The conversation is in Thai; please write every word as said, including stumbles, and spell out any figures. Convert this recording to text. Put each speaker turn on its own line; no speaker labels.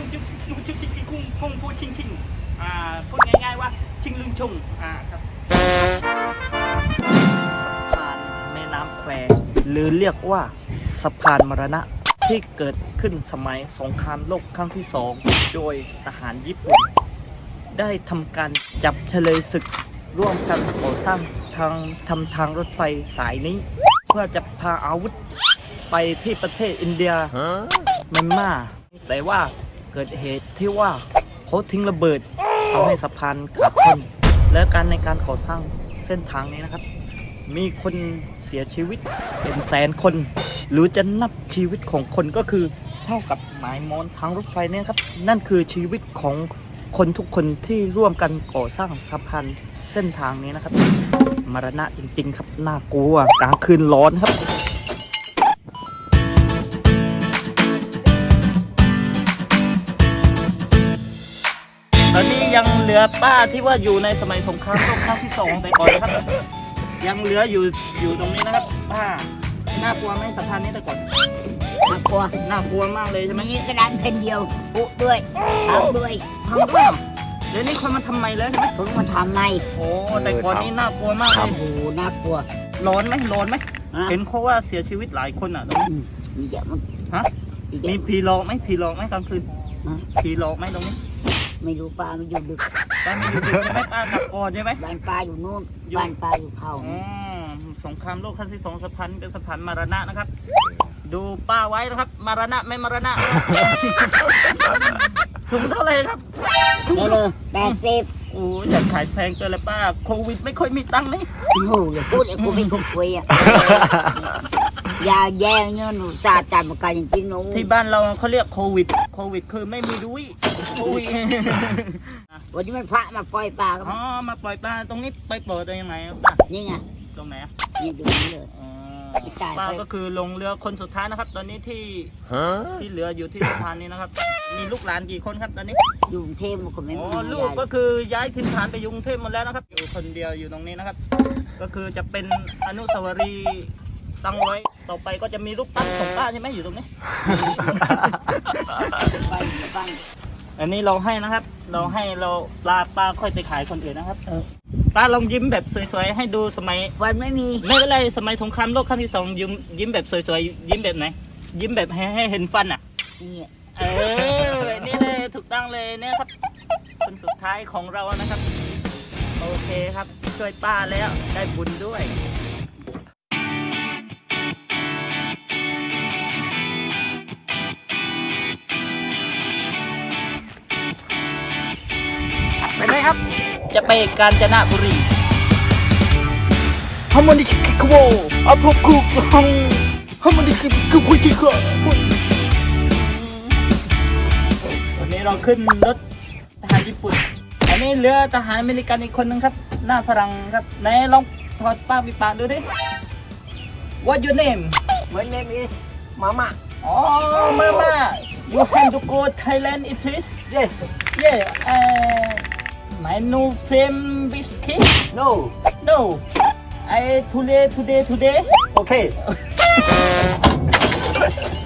งชิงชิงชิงชิงชิงคุ้งคุ้งพูดชิงชิงอ่าพูดง่ายๆว่าชิงลึงชงอ่าครับสะพานแม่น้ำแควหรือเรียกว่าสะพานมรณะที่เกิดขึ้นสมัยสงครามโลกครั้งที่สองโดยทหารญี่ปุ่นได้ทำการจับเฉลยศึกร่วมกันก่อสร้างทางทำทางรถไฟสายนี้เพื่อจะพาอาวุธไปที่ประเทศอินเดียเมียนมาแต่ว่าเกิดเหตุที่ว่าเขาทิ้งระเบิดทำให้สะพานขาดทุนและการในการก่อสร้างเส้นทางนี้นะครับมีคนเสียชีวิตเป็นแสนคนหรือจะนับชีวิตของคนก็คือเท่ากับหมายมอนทางรถไฟเนี่ยครับนั่นคือชีวิตของคนทุกคนที่ร่วมกันก่อสร้างสะพานเส้นทางนี้นะครับมรณะจริงๆครับน่ากลัวกลางคืนร้อนครับตอนนี้ยังเหลือป้าที่ว่าอยู่ในสมัยสงครามโลกครั้งที่สองไปก่อนนะครับยังเหลืออยู่อยู่ตรงนี้นะครับป้าน่ากลัวไหมสะพานนี้แต่ก่อนน่ากลัวน่ากลัวมากเลยใช่ไหม
มีกระดานแผ่นเดียวปุด้วยทำด้วย
ทำด้วยเดี๋ยวนี้คนมาทำไมแล้วใช่ไหม
เพิ่งมาทำใหม่
โอ้แต่ก่อนนี้น่ากลัวมากเลย
โอ้โหน่ากลัว
ร้อนไหมร้อนไหมเห็นเขาว่าเสียชีวิตหลายคนอ่ะตรงนี้
มีเยอะมั้ง
ฮะมีผีหลอกไหมผีหลอกไหมกลางคืนผีหลอกไหมตรงนี้
ไม่รู้ป้ามันอยู่ดึก
ป้าไม่อยู่ดึกใช่ไหมป้าขับก่อนใช่ไหม
บ้านป้าอยู่นู่นบ้านป้าอยู่เขา
อ๋อสงครามโลกครั้งที่สองสะพานเป็นสะพานมรณะนะครับดูป้าไว้นะครับมรณะไม่มรณะถุงเท่าไหร่ครับ
ถุงเลยแปดสิบ
โอ้ยอยากขายแพงเกินเลยป้าโควิดไม่ค่อยมีตังค์นี่
โอ้โหอย่าพูดเลยกูเป็นคนช่วยอ่ะยาแย่เงี้ยหนูจ่าจ่ามาการจริงๆหนู
ที่บ้านเราเขาเรียกโควิดโควิดคือไม่มีดุยโควิด
วันนี้มันพระมาปล่อยปลา
อ๋อมาปล่อยปลาตรงนี้ไปเปิดได้ยังไงป้า
นี่ไง
ตรงไหนอ่ะ
นี่ดูนี่เลย
ป้าก็คือลงเรือคนสุดท้ายนะครับตอนนี้ที่ที่เหลืออยู่ที่สะพานนี้นะครับมีลูกหลานกี่คนครับตอนนี้
อยู่กรุงเทพหมดคนไม่
อ๋อลูกก็คือย้ายถิ่นฐานไปอยู่กรุงเทพหมดแล้วนะครับอยู่คนเดียวอยู่ตรงนี้นะครับก็คือจะเป็นอนุสาวรีย์ตั้งไว้ต่อไปก็จะมีรูปปั้นของป้าใช่ไหมอยู่ตรงนี้อันนี้เราให้นะครับเราให้เราปลาป้าค่อยไปขายคนอื่นนะครับป้าลองยิ้มแบบสวยๆให้ดูสมัย
วันไม่มี
ไม่เป็นไรสมัยสงครามโลกครั้งที่สองยิ้มยิ้มแบบสวยๆยิ้มแบบไหนยิ้มแบบให้ให้เห็นฟันอ่ะ
นี่
เออนี่เลยถูกต้องเลยเนี่ยครับคนสุดท้ายของเรานะครับโอเคครับช่วยป้าแล้วได้บุญด้วยไปเลยครับจะไปกาญจนบุรีฮัมมันดิชิคโวอัพคุกฮัมฮัมมันดิชิคุคุชิคุวันนี้เราขึ้นรถทหารญี่ปุ่นอันนี้เรือทหารอเมริกันอีกคนนึงครับหน้าฝรั่งครับไหนลองถอดป้าปิดปากดูดิ What your name
My name is Mama
อ๋อ Mama You have to go Thailand it please
Yes
Yeah uh, My new friend whiskey
No
No I today today today
Okay